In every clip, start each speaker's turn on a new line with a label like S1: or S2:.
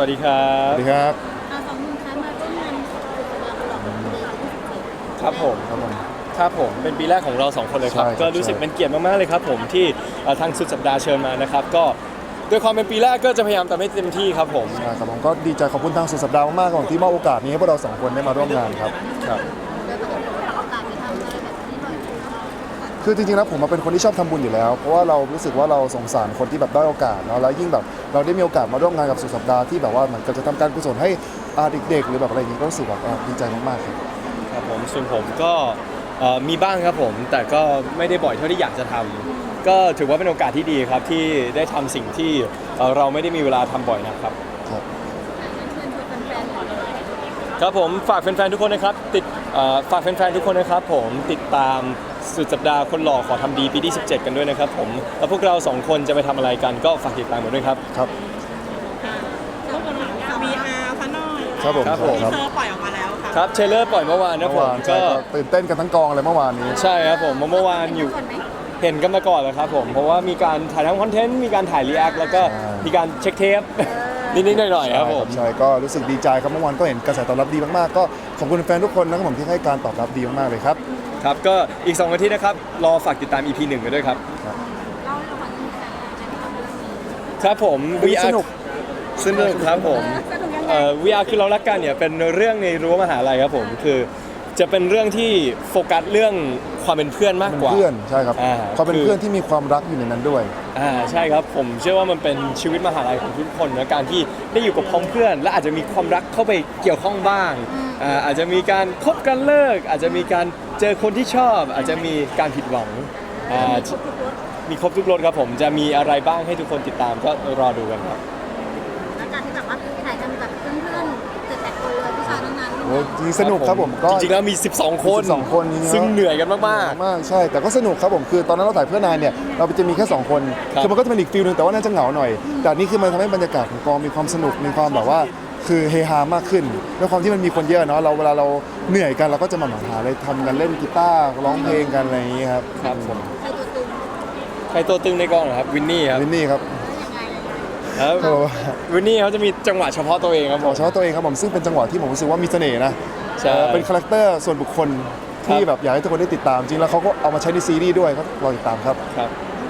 S1: วัสดีครับ
S2: สวัสดีครับ
S3: สองหนุ่มคะมาร่วมงานสุดสัปดาห์ตลอดปี2017
S1: ครับผม
S2: ครับผม
S1: ครับผมเป็นปีแรกของเราสองคนเลยครับ
S2: ใช่ครับ
S1: ก็รู้สึกเป็นเกียรติมากๆเลยครับผมที่ทางสุดสัปดาห์เชิญมานะครับก็ด้วยความเป็นปีแรกก็จะพยายามทำให้เต็มที่ครับผม
S2: ใช่ครับผมก็ดีใจขอบคุณทางสุดสัปดาห์มากๆของที่มอบโอกาสนี้ให้พวกเราสองคนได้มาร่วมงานครับ
S1: ครับ
S3: แล้วปกติเราโอกาสไปทำอะไรแบบนี้บ่อยไหม
S2: คือจริงๆแล้วผมมาเป็นคนที่ชอบทำบุญอยู่แล้วเพราะว่าเรารู้สึกว่าเราสงสารคนที่แบบได้อยโอกาสเนาะแล้วยิ่งแบบเราได้มีโอกาสมาร่วมงานกับสุดสัปดาห์ที่แบบว่าเหมือนกับจะทำการกุศลให้เด็กๆหรือแบบอะไรอย่างนี้ก็รู้สึกแบบดีใจมากๆครับ
S1: ครับผมส่วนผมก็มีบ้างครับผมแต่ก็ไม่ได้บ่อยเท่าที่อยากจะทำก็ถือว่าเป็นโอกาสที่ดีครับที่ได้ทำสิ่งที่เราไม่ได้มีเวลาทำบ่อยนะครับ
S3: เชิญชวนแฟนๆหน่อย
S1: ครับผมฝากแฟนๆทุกคนนะครับฝากแฟนๆทุกคนนะครับผมติดตามสุดสัปดาห์คนหล่อขอทำดีปีที่17กันด้วยนะครับผมแล้วพวกเรา2คนจะไปทำอะไรกันก็ฝากติดตามกันด้วยครับ
S2: ครับ
S4: รูปผลงาน VR ซะหน่อย
S2: ครับผม
S1: ครับผม
S4: ทีเซอร์ปล่อยออกมาแล้วค่ะ
S1: ครับเทรลเลอร์ปล่อยเมื่อวานนะ
S2: เมื่อ
S1: ผม
S2: วานใช่
S1: ก็
S2: ก็ตื่นเต้นกันทั้งกองเลยเมื่อวานนี้
S1: ใช่ครับผมเมื่อวานอยู่
S3: ก่อนไหม
S1: เห็นกันมาก่อนแล้วครับผมเพราะว่ามีการถ่ายทำคอนเทนต์มีการถ่ายรีแอคแล้วก็มีการเช็คเทปนิดๆหน่อยๆครับผม
S2: ใช่ก็รู้สึกดีใจครับเมื่อวานก็เห็นกระแสตอบรับดีมากๆก็ขอบคุณแฟนทุกคนนะครับผมที่ให้การตอบรับดีมากๆเลยครับ
S1: ครับก็อีก2 อาทิตย์นะครับรอฝากติดตาม EP 1กันด้วยครับ
S3: เล่าให้เราฟังนิดนึงค่ะในความรู้สึก
S1: ครับผม
S2: สนุก
S1: สนุกครับผม
S3: สนุกยังไง
S1: VR คือเรารักกันเนี่ยเป็นเรื่องในรั้วมหาลัยครับผมคือจะเป็นเรื่องที่โฟกัสเรื่องความเป็นเพื่อนมาก
S2: เป็น
S1: กว่า
S2: เพื่อนใช่ครับ
S1: อ่า
S2: ความเป็น
S1: คือ
S2: เพื่อนที่มีความรักอยู่ในนั้นด้วย
S1: ใช่ครับผมเชื่อว่ามันเป็นชีวิตมหาลัยของทุกคนนะการที่ได้อยู่กับพ้องเพื่อน และอาจจะมีความรักเข้าไปเกี่ยวข้องบ้างอาจจะมีการคบกันเลิก อาจจะมีการเจอคนที่ชอบ อาจจะมีการผิดหวังมีครบทุกรสครับผมจะมีอะไรบ้างให้ทุกคนติดตามก็รอดูกันครับ
S3: แล้วการที่แบบว่าถ่ายทำกับเพื่อนๆ7-8คนเลยผู้ชายทั้งนั้น
S2: โอ้จริงๆสนุกครับผมก็
S1: จริงๆแล้วมี 12 คน
S2: 12คนจริงๆแล้ว
S1: ซึ่งเหนื่อยกันมาก
S2: มากใช่แต่ก็สนุกครับผมคือตอนนั้นเราถ่ายเพื่อนนายเนี่ยเราจะมีแค่2คน
S1: ครับ
S2: คือมันก็จะเป็นอีกฟิลนึงแต่ว่าน่าจะเหงาหน่อยแต่อันนี่คือมันทำให้บรรยากาศของกองมีความสนุกมีความแบบว่าคือเฮฮามากขึ้นด้วยความที่มันมีคนเยอะเนาะเราเวลาเราเหนื่อยกันเราก็จะมาหาอะไรทำกันเล่นกีตาร์ร้องเพลงกันอะไรอย่างนี้ครับ
S1: ๆครับผม
S3: ใครตัวตึง
S1: ใครตัวตึงในกองเหรอครับวินนี่ครับ
S2: วินนี่ครับ
S3: ยังไง
S1: ครับ
S2: โอ้
S1: วินนี่เขาจะมีจังหวะเฉพาะตัวเองครับผ
S2: บอ
S1: ม
S2: กเฉพาะตัวเองครับผมซึ่งเป็นจังหวะที่ผมรู้สึกว่ามีเสน่ห์นะ
S1: ใช่
S2: เป็นคาแรคเตอร์ส่วนบุคคลที่แบบอยากให้ทุกคนได้ติดตามจริงแล้วเขาก็เอามาใช้ในซีรีส์ด้วยก็รอติดตามครับ
S1: ครับ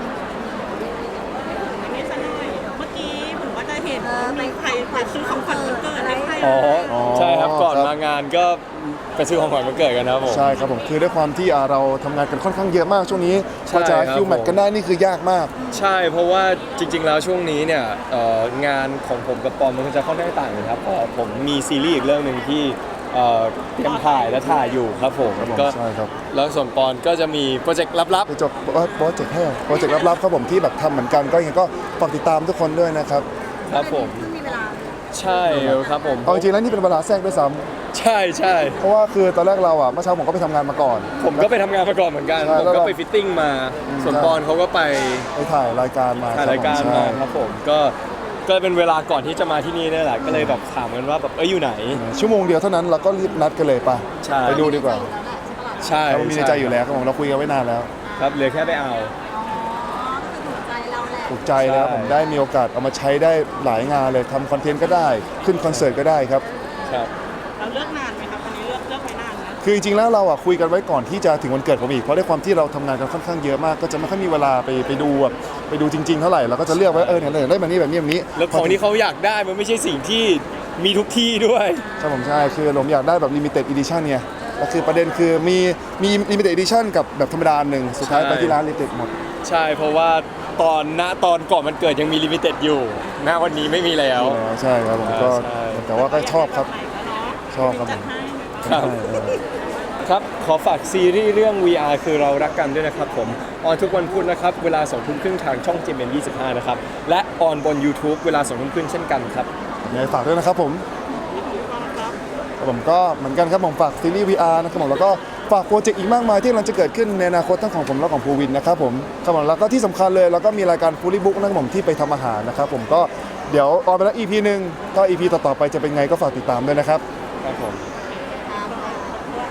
S4: อันนี้ซะหน่อยเมื่อกี้ผมว่าจะเห็นมีใครไปซื้อของขวัญวันเกิดให้ใคร
S1: อ๋อ
S2: อ๋อ
S1: ใช่ครับก่อน
S2: ครับ
S1: มางานก็ไปซื้อของขวัญวันเกิดกันนะครับผม
S2: ใช่ครับผมคือด้วยความที่เราทำงานกันค่อนข้างเยอะมากช่วงนี้
S1: ใช่
S2: กว่าจะ
S1: ครับ
S2: คิวแมทกันได้นี่คือยากมาก
S1: ใช่เพราะว่าจริง ๆ แล้วช่วงนี้เนี่ยงานของผมกับปอมมันจะค่อนข้างต่างกันครับเพราะผมมีซีรีส์อีกเรื่องหนึ่งที่เตรียมถ่ายและถ่ายอยู่ครับผม
S2: ครับผม
S1: ก็
S2: ใช่ครับ
S1: แล้วส่วนปอนก็จะมีโปรเจกต์ลับ
S2: ไปจบโปรเจกต์ให้โปรเจกต์ลับๆครับผมที่แบบทำเหมือนกันก็ยังไงก็ฝากติดตามทุกคนด้วยนะครับ
S1: ๆครับผม
S3: เพิ่งมีเวลา
S1: ใช่ครับผม
S2: เอาจริงๆแล้วนี่เป็นเวลาแทรกด้วยซ้
S1: ใช่ใช่
S2: ำเพราะว่าคือตอนแรกเราเมื่อเช้าผมก็ไปทำงานมาก่อน
S1: ผมก็ไปทำงานมาก่อนเหมือนกัน
S2: ใช่
S1: ผม
S2: แล้ว
S1: ก็
S2: เรา
S1: ไปฟิตติ้งมาส่วน
S2: ใช่
S1: ปอนเขาก็ไป
S2: ไปถ่ายรายการมา
S1: ถ่ายรายการ
S2: คบผ
S1: มา
S2: ใช่
S1: ครับผมก็เป็นเวลาก่อนที่จะมาที่นี่นี่แหละก็เลยแบบถามกันว่าแบบอยู่ไหน
S2: ชั่วโมงเดียวเท่านั้นเราก็รีบนัดกันเลยป่ะ
S1: ใช่
S2: ไปดูดีกว่า
S1: ใช่
S2: เรามีในใจอยู่แล้วครับผมเราคุยกันไว้นานแล้ว
S1: ครับเหลือแค่ไปเอา
S3: อ๋อคือถูกใจเราแหละ
S2: ถูกใจแล้ว
S1: ใช่
S2: ผมได้มีโอกาสเอามาใช้ได้หลายงานเลยทำคอนเทนต์ก็ได้ขึ้นคอนเสิร์ตก็ได้ครับ
S1: ครับ
S4: เราเลือกนานไหมครับวันนี้เลือกไว้นานนะ
S2: คือจริงๆแล้วเราคุยกันไว้ก่อนที่จะถึงวันเกิดผมอีกเพราะด้วยความที่เราทำงานกันค่อนข้างเยอะมากก็จะไม่ค่อยมีเวลาไปดูไปดูจริง ๆ เท่าไหร่เราก็จะเลือกไว้เนี่ยได้แบบนี้แบบนี้แบบนี้
S1: แล้วของที่เขาอยากได้มันไม่ใช่สิ่งที่มีทุกที่ด้วย
S2: ใช่ผมใช่คือผมอยากได้แบบ limited edition เนี่ยแล้วคือประเด็นคือมี limited edition กับแบบธรรมดาหนึ่งสุดท้าย
S1: ใช่
S2: ไปที่ร้าน limited หมด
S1: ใช่เพราะว่าตอนก่อนมันเกิดยังมีลิมิเต็ดอยู่ณวันนี้ไม่มีแล้ว
S2: ใช่ครับผมก็
S1: ใช่
S2: แต่ว่าก็ชอบครับชอบครับผม
S1: ครับ
S2: ใช่เออ
S1: ครับขอฝากซีรีส์เรื่อง VR คือเรารักกันด้วยนะครับผมออนทุกวันพุธนะครับเวลา2 ทุ่มครึ่งทางช่อง GMM25 นะครับและออนบน YouTube เวลา2 ทุ่มครึ่งเช่นกันครับ
S2: ยังไงฝากด้วยนะครับผมครับผมก็เหมือนกันครับผมฝากซีรีส์ VR นะครับผมแล้วก็ฝากโปรเจกต์อีกมากมายที่กำลังจะเกิดขึ้นในอนาคตทั้งของผมและของภูวินนะครับผมครับผมแล้วก็ที่สำคัญเลยแล้วก็มีรายการฟูลี่บุ๊กนะครับผมที่ไปทำอาหารนะครับผมก็เดี๋ยวออนไปแล้ว EP หนึ่งก็ EP ต่อๆไปจะเป็นไงก็ฝากติดตามด้วยนะครับ
S1: ครับผม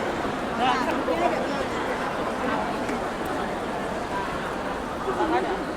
S3: อ่า